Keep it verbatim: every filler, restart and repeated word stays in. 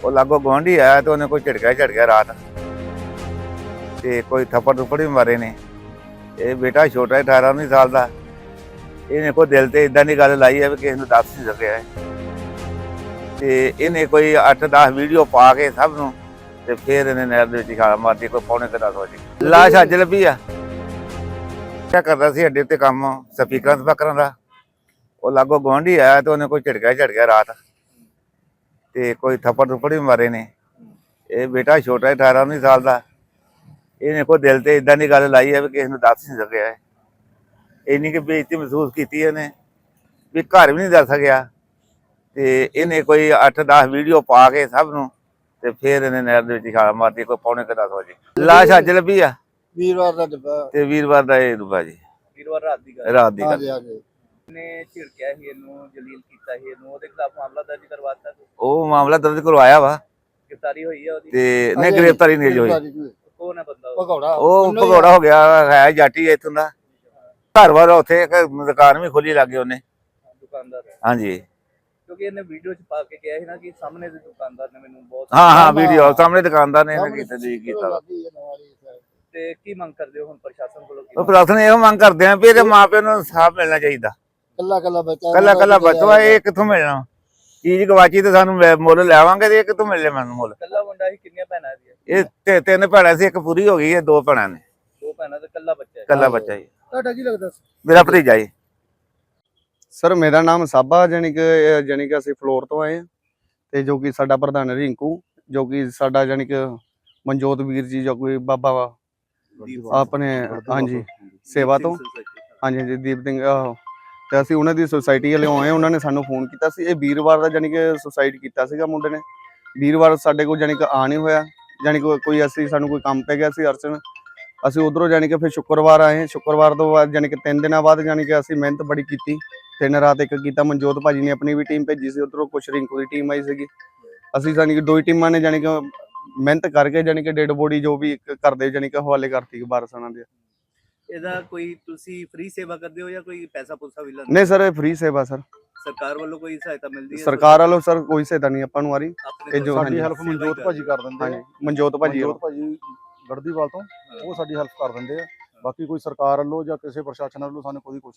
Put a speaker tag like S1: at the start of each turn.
S1: ਉਹ ਲਾਗੋ ਗੁਆਂਢੀ ਆਇਆ ਤੇ ਉਹਨੇ ਕੋਈ ਝਟਕਾ ਝਟਕਿਆ ਰਾਤ ਤੇ ਕੋਈ ਥੱਪੜ ਥੁੱਪੜ ਵੀ ਮਾਰੇ ਨੇ। ਇਹ ਬੇਟਾ ਛੋਟਾ ਅਠਾਰਾਂ ਉੱਨੀ ਸਾਲ ਦਾ, ਇਹਨੇ ਕੋਈ ਦਿਲ ਤੇ ਇਦਾਂ ਦੀ ਗੱਲ ਲਾਈ ਹੈ ਵੀ ਕਿਸੇ ਨੂੰ ਦੱਸ ਨਹੀਂ ਸਕਿਆ ਤੇ ਇਹਨੇ ਕੋਈ ਅੱਠ ਦਸ ਵੀਡੀਓ ਪਾ ਕੇ ਸਭ ਨੂੰ ਤੇ ਫਿਰ ਇਹਨੇ ਨਹਿਰ ਦੇ ਵਿੱਚ ਛਾਲ ਮਾਰਤੀ। ਕੋਈ ਪੌਣੇ ਕੁ ਦਸ ਵਜੇ ਲਾਸ਼ ਅੱਜ ਲੱਭੀ ਆ। ਕਿਆ ਕਰਦਾ ਸੀ ਅੱਡੇ ਤੇ ਕੰਮ ਸਪੀਕਰਾਂ ਸਪਾਕਰਾਂ ਦਾ। ਉਹ ਲਾਗੋ ਗੁਆਂਢੀ ਆਇਆ ਤੇ ਉਹਨੇ ਕੋਈ ਝਟਕਾ ਝਟਕਿਆ ਰਾਤ ਤੇ ਕੋਈ ਥੱਪੜ ਥੁੱਪੜ ਵੀ ਮਾਰੇ ਨੇ। ਇਹ ਬੇਟਾ ਛੋਟਾ ਅਠਾਰਾਂ ਉੱਨੀ ਸਾਲ ਦਾ, ਇਹਨੇ ਕੋਈ ਦਿਲ ਤੇ ਇਦਾਂ ਦੀ ਗੱਲ ਲਾਈ ਹੈ ਵੀ ਕਿਸੇ ਨੂੰ ਦੱਸ ਨਹੀਂ ਸਕਿਆ। ਇੰਨੀ ਕਿ ਬੇਇੱਜ਼ਤੀ ਮਹਿਸੂਸ ਕੀਤੀ ਇਹਨੇ ਵੀ ਘਰ ਵੀ ਨਹੀਂ ਦੱਸ ਸਕਿਆ ਤੇ ਇਹਨੇ ਕੋਈ ਅੱਠ ਦਸ ਵੀਡੀਓ ਪਾ ਕੇ ਸਭ ਨੂੰ ਤੇ ਫਿਰ ਇਹਨੇ ਨਹਿਰ ਦੇ ਵਿੱਚ ਛਾਲ ਮਾਰਤੀ। ਕੋਈ ਪੌਣੇ ਕੁ ਦਸ ਵਜੇ ਲਾਸ਼ ਅੱਜ ਲੱਭੀ ਆ।
S2: ਵੀਰਵਾਰ ਦਾ ਡੱਬਾ
S1: ਤੇ ਵੀਰਵਾਰ ਦਾ ਇਹ ਡੁੱਬਾ ਜੀ,
S3: ਵੀਰਵਾਰ ਰਾਤ ਦੀ ਗੱਲ
S1: ਰਾਤ ਦੀ ਗੱਲ।
S2: ਹਾਂਜੀ ਹਾਂਜੀ
S3: ਨੇ ਝਿੜਕਿਆ ਸੀ ਇਹਨੂੰ, ਜਲੀਲ ਕੀਤਾ ਸੀ ਇਹਨੂੰ, ਉਹਦੇ ਖਿਲਾਫ ਮਾਮਲਾ ਦਰਜ ਕਰਵਾਤਾ,
S1: ਉਹ ਮਾਮਲਾ ਦਰਜ ਕਰਵਾਇਆ ਵਾ
S3: ਗ੍ਰਿਫਤਾਰੀ ਹੋਈ ਹੈ ਉਹਦੀ।
S1: ਤੇ ਨਹੀਂ ਗ੍ਰਿਫਤਾਰੀ ਨਹੀਂ ਹੋਈ।
S3: ਕੌਣ ਹੈ ਬੰਦਾ ਉਹ?
S2: ਭਗੌੜਾ
S1: ਉਹ ਭਗੌੜਾ ਹੋ ਗਿਆ ਹੈ, ਜਾਟੀ ਇੱਥੋਂ ਦਾ। ਘਰ ਵਾਲਾ ਉੱਥੇ ਇੱਕ ਦੁਕਾਨ ਵੀ ਖੋਲੀ ਲੱਗੇ ਉਹਨੇ।
S3: ਦੁਕਾਨਦਾਰ ਹੈ।
S1: ਹਾਂਜੀ
S3: ਕਿਉਂਕਿ ਇਹਨੇ ਵੀਡੀਓ ਚ ਪਾ ਕੇ ਕਿਹਾ ਸੀ ਨਾ ਕਿ ਸਾਹਮਣੇ ਦੇ ਦੁਕਾਨਦਾਰ ਨੇ ਮੈਨੂੰ ਬਹੁਤ
S1: ਹਾਂ ਹਾਂ ਵੀਡੀਓ ਸਾਹਮਣੇ ਦੁਕਾਨਦਾਰ ਨੇ ਇਹਨੇ ਕੀਤਾ ਜੀ ਕੀਤਾ ਵਾ।
S3: ਤੇ ਕੀ ਮੰਗ ਕਰਦੇ ਹੋ ਹੁਣ ਪ੍ਰਸ਼ਾਸਨ ਕੋਲੋਂ?
S1: ਉਹ ਪ੍ਰਸ਼ਾਸਨ ਇਹੋ ਮੰਗ ਕਰਦੇ ਆ ਵੀ ਇਹਦੇ ਮਾਪਿਆਂ ਨੂੰ ਇਨਸਾਫ ਮਿਲਣਾ ਚਾਹੀਦਾ।
S2: ਕੱਲਾ ਕੱਲਾ ਬੱਚਾ
S1: ਕੱਲਾ ਕੱਲਾ ਬੱਚਾ ਇਹ ਕਿੱਥੋਂ ਮਿਲਣਾ? ਚੀਜ਼ ਗਵਾਚੀ ਤੇ ਸਾਨੂੰ ਮੁੱਲ ਲੈਵਾਂਗੇ ਤੇ ਇਹ ਕਿੱਥੋਂ ਮਿਲਣੇ ਮੈਨੂੰ ਮੁੱਲ?
S3: ਕੱਲਾ ਮੁੰਡਾ ਸੀ, ਕਿੰਨੀਆਂ ਭੈਣਾਂ ਇਹਦੀਆਂ?
S1: ਇਹ ਤੇ ਤਿੰਨ ਭੈਣਾਂ ਸੀ, ਇੱਕ ਪੂਰੀ ਹੋ ਗਈ ਹੈ, ਦੋ ਭੈਣਾਂ ਨੇ।
S3: ਦੋ ਭੈਣਾਂ ਤੇ ਕੱਲਾ ਬੱਚਾ ਹੈ।
S1: ਕੱਲਾ ਬੱਚਾ ਜੀ।
S2: ਤੁਹਾਡਾ ਕੀ ਲੱਗਦਾ?
S1: ਮੇਰਾ ਭਤੀਜਾ ਜੀ।
S4: ਸਰ ਮੇਰਾ ਨਾਮ ਸਾਬਾ, ਜਾਣੀ ਕਿ ਜਾਣੀ ਕਿ ਅਸੀਂ ਫਲੋਰ ਤੋਂ ਆਏ ਹਾਂ ਤੇ ਜੋ ਕਿ ਸਾਡਾ ਪ੍ਰਧਾਨ ਰਿੰਕੂ, ਜੋ ਕਿ ਸਾਡਾ ਜਾਣੀ ਕਿ ਮਨਜੋਤ ਵੀਰ ਜੀ ਜੋ ਕੋਈ ਬਾਬਾ ਵਾ ਆਪਣੇ ਹਾਂਜੀ ਸੇਵਾ ਤੋਂ ਹਾਂਜੀ ਹਾਂਜੀ ਦੀਪ ਸਿੰਘ ਤੇ ਅਸੀਂ ਉਹਨਾਂ ਦੀ ਸੁਸਾਇਟੀ ਵਾਲੇ ਆਏ। ਉਹਨਾਂ ਨੇ ਸਾਨੂੰ ਫੋਨ ਕੀਤਾ ਸੀ। ਇਹ ਵੀਰਵਾਰ ਦਾ ਜਾਣੀ ਕਿ ਸੁਸਾਇਡ ਕੀਤਾ ਸੀਗਾ ਮੁੰਡੇ ਨੇ। ਵੀਰਵਾਰ ਸਾਡੇ ਕੋਲ ਜਾਣੀ ਕਿ ਆ ਨਹੀਂ ਹੋਇਆ, ਜਾਣੀ ਕਿ ਕੋਈ ਅਸੀਂ ਸਾਨੂੰ ਕੋਈ ਕੰਮ ਪੈ ਗਿਆ ਸੀ ਅਰਚਨ। ਅਸੀਂ ਉਧਰੋਂ ਜਾਣੀ ਕਿ ਫਿਰ ਸ਼ੁੱਕਰਵਾਰ ਆਏ। ਸ਼ੁੱਕਰਵਾਰ ਤੋਂ ਬਾਅਦ ਜਾਣੀ ਕਿ ਤਿੰਨ ਦਿਨਾਂ ਬਾਅਦ ਜਾਣੀ ਕਿ ਅਸੀਂ ਮਿਹਨਤ ਬੜੀ ਕੀਤੀ, ਤਿੰਨ ਰਾਤ ਇੱਕ ਕੀਤਾ। ਮਨਜੋਤ ਭਾਜੀ ਨੇ ਆਪਣੀ ਵੀ ਟੀਮ ਭੇਜੀ ਸੀ, ਉਧਰੋਂ ਕੁਛ ਰਿੰਕੂ ਦੀ ਟੀਮ ਆਈ ਸੀਗੀ। ਅਸੀਂ ਜਾਣੀ ਕਿ ਦੋ ਹੀ ਟੀਮਾਂ ਨੇ ਜਾਣੀ ਕਿ ਮਿਹਨਤ ਕਰਕੇ ਜਾਣੀ ਕਿ ਡੈਡ ਬੋਡੀ ਜੋ ਵੀ ਕਰਦੇ ਜਾਣੀ ਕਿ ਹਵਾਲੇ ਕਰਤੀ ਵਾਰਸਾਂ ਦੇ।
S3: ਇਹਦਾ ਕੋਈ ਤੁਸੀਂ ਫ੍ਰੀ ਸੇਵਾ ਕਰਦੇ ਹੋ ਜਾਂ ਕੋਈ ਪੈਸਾ ਪੂਸਾ ਵੀ ਲੈਂਦੇ?
S4: ਨਹੀਂ ਸਰ ਇਹ ਫ੍ਰੀ ਸੇਵਾ ਸਰ।
S3: ਸਰਕਾਰ ਵੱਲੋਂ ਕੋਈ ਸਹਾਇਤਾ ਮਿਲਦੀ ਹੈ?
S4: ਸਰਕਾਰ ਵੱਲੋਂ ਸਰ ਕੋਈ ਸਹਾਇਤਾ ਨਹੀਂ ਆਪਾਂ ਨੂੰ ਆ ਰਹੀ।
S3: ਆਪਣੇ
S4: ਇਹ ਜੋ
S3: ਤੋਂ
S4: ਸਾਡੀ
S2: ਹੈਲਪ ਮਨਜੋਤ ਭਾਜੀ ਕਰ ਦਿੰਦੇ
S4: ਹਾਂਜੀ
S2: ਆ।
S4: ਮਨਜੋਤ ਭਾਜੀ
S2: ਮਨਜੋਤ ਭਾਜੀ ਗੜਦੀਵਾਲ ਤੋਂ ਉਹ ਸਾਡੀ ਹੈਲਪ ਕਰ ਦਿੰਦੇ ਆ। ਬਾਕੀ ਕੋਈ ਸਰਕਾਰ ਵੱਲੋਂ ਜਾਂ ਕਿਸੇ ਪ੍ਰਸ਼ਾਸਨ ਵੱਲੋਂ ਸਾਨੂੰ ਕੋਈ ਕੁਛ